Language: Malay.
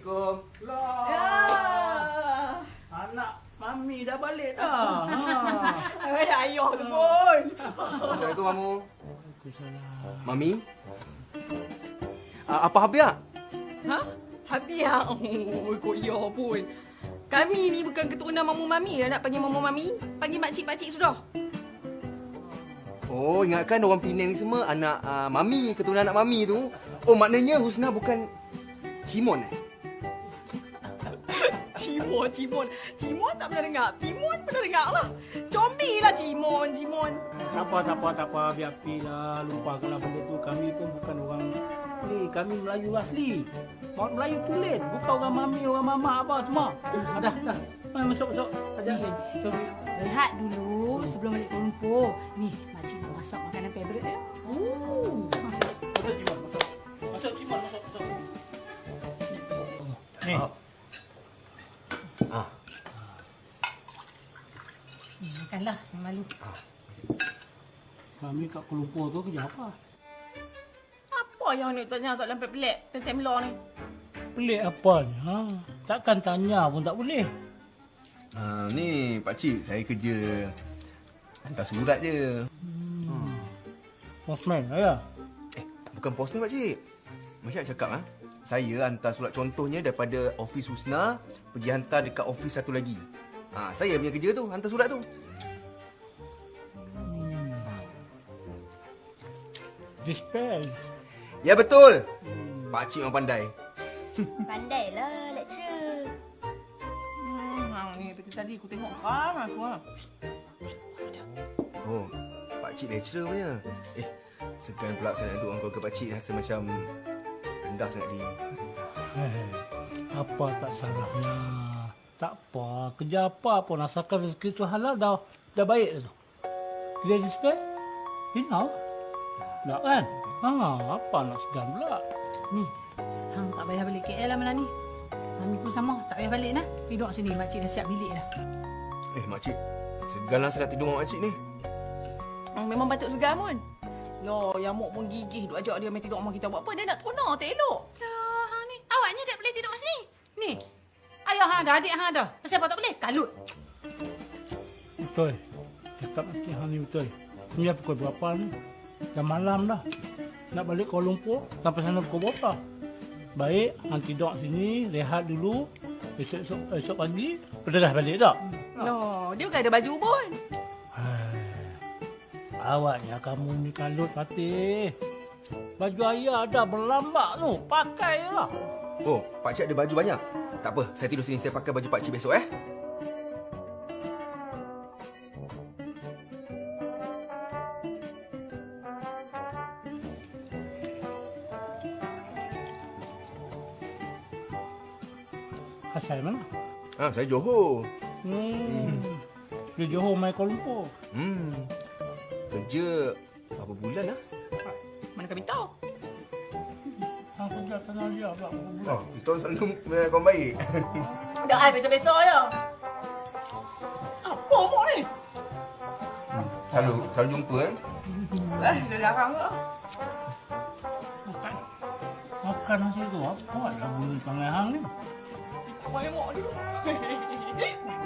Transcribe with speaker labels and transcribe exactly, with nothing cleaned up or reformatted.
Speaker 1: Assalamualaikum.
Speaker 2: Lah.
Speaker 3: Ya.
Speaker 2: Anak Mami dah balik dah. Ha.
Speaker 3: Eh, ayah tu pun.
Speaker 1: Assalamualaikum, Mamu.
Speaker 2: Waalaikumsalam.
Speaker 1: Mami? Uh, apa Habiak?
Speaker 3: Ha? Habiak. Oh, kok ya pun. Kami ni bukan keturunan mamu mami dah nak panggil mamu mami. Panggil makcik-makcik sudah.
Speaker 1: Oh, ingatkan orang Penang ni semua anak uh, Mami, keturunan anak Mami tu. Oh, maknanya Husna bukan Cimon eh?
Speaker 3: Cimon, Cimon. Cimon tak pernah dengar. Timon pernah dengar lah. Comel lah Cimon, Cimon.
Speaker 2: Tak apa, tak apa, tak apa. Biar pilah. Lupakanlah benda tu. Kami pun bukan orang ni. Kami Melayu asli. Orang Melayu tulen. Bukan orang Mami, orang Mama apa semua. Ah, dah, dah. Mari masuk, masuk. Ajak ni. Cari.
Speaker 4: Rehat dulu sebelum balik Kuala Lumpur. Ni, makcik nak masak makanan favourite dia.
Speaker 2: Oh. Masuk Cimon, masuk. Masuk Cimon, masuk, masuk. Ni.
Speaker 1: Ah. Ah.
Speaker 4: Hmm, makanlah, jangan malu.
Speaker 2: Kami kat Kuala Lumpur tu kerja apa?
Speaker 3: Apa yang nak tanya soalan pelik-pelik tentang Melo ni?
Speaker 2: Pelik apanya? Ha? Takkan tanya pun tak boleh.
Speaker 1: Uh, ni pakcik, saya kerja hantar surat je.
Speaker 2: Hmm. Postman, ayah.
Speaker 1: Eh, bukan postman pakcik. Macam nak cakap ah, saya hantar surat contohnya daripada office Husna pergi hantar dekat office satu lagi. Ha, saya punya kerja tu, hantar surat tu.
Speaker 2: Hmm. Dispense.
Speaker 1: Ya betul. Pakcik memang pandai.
Speaker 5: Pandailah lecturer.
Speaker 3: Hmm, hang ni tadi tadi aku tengok kan aku ah.
Speaker 1: Oh, pakcik lecturer punya. Eh, segan pula saya nak duduk dengan keluarga pakcik, rasa macam rendah sangat ni.
Speaker 2: Eh, apa tak salahnya? Tak apa, kerja apa pun asalkan rezeki tu halal dah dah baik dah tu. Kerja dispense? Hina. Tak kan? Ha, apa nak segan pula?
Speaker 4: Ni, hang tak payah balik K L lah malam ni. Mami pun sama, tak payah balik nah. Tidur sini, makcik dah siap bilik dah.
Speaker 1: Eh, makcik, seganlah saya nak tidur dengan makcik ni.
Speaker 3: Hmm, memang patut segan pun. Loh, Yamuk pun gigih duk ajak dia main tidur rumah kita. Buat apa? Dia nak teronok, tak elok.
Speaker 4: Lah, hang ni. Awaknya tak boleh tidur kat sini. Ni, ayah hang dah, adik hang dah. Kenapa apa tak boleh? Kalut.
Speaker 2: Betul. Cakap mesti hang ni betul. Ni dah pukul berapa ni? Dah malam dah. Nak balik Kuala Lumpur, sampai sana pukul berapa? Baik, hang tidur sini, rehat dulu. Esok, esok, esok pagi, dah balik tak?
Speaker 3: Loh, dia bukan ada baju pun.
Speaker 2: Hai, awaknya kamu ni kalut Fatih. Baju ayah dah berlambak tu, pakai lah.
Speaker 1: Oh, pakcik ada baju banyak. Tak apa, saya tidur sini, saya pakai baju pakcik besok eh.
Speaker 2: Asal mana?
Speaker 1: Ha, saya Johor.
Speaker 2: Hmm. Dia Johor main Kuala Lumpur.
Speaker 1: Hmm. Kerja berapa bulan lah?
Speaker 3: Mana kami tahu?
Speaker 2: Hang kerja tanah dia pula berapa bulan.
Speaker 1: Oh, kita selalu kawan baik.
Speaker 3: Dah ai besok-besok je. Apa mok ni?
Speaker 1: Selalu, selalu jumpa eh.
Speaker 3: Eh, dia larang ke?
Speaker 2: Makan. Makan nasi tu apa lah bunyi tangan hang ni?
Speaker 3: Ikut mai mok ni.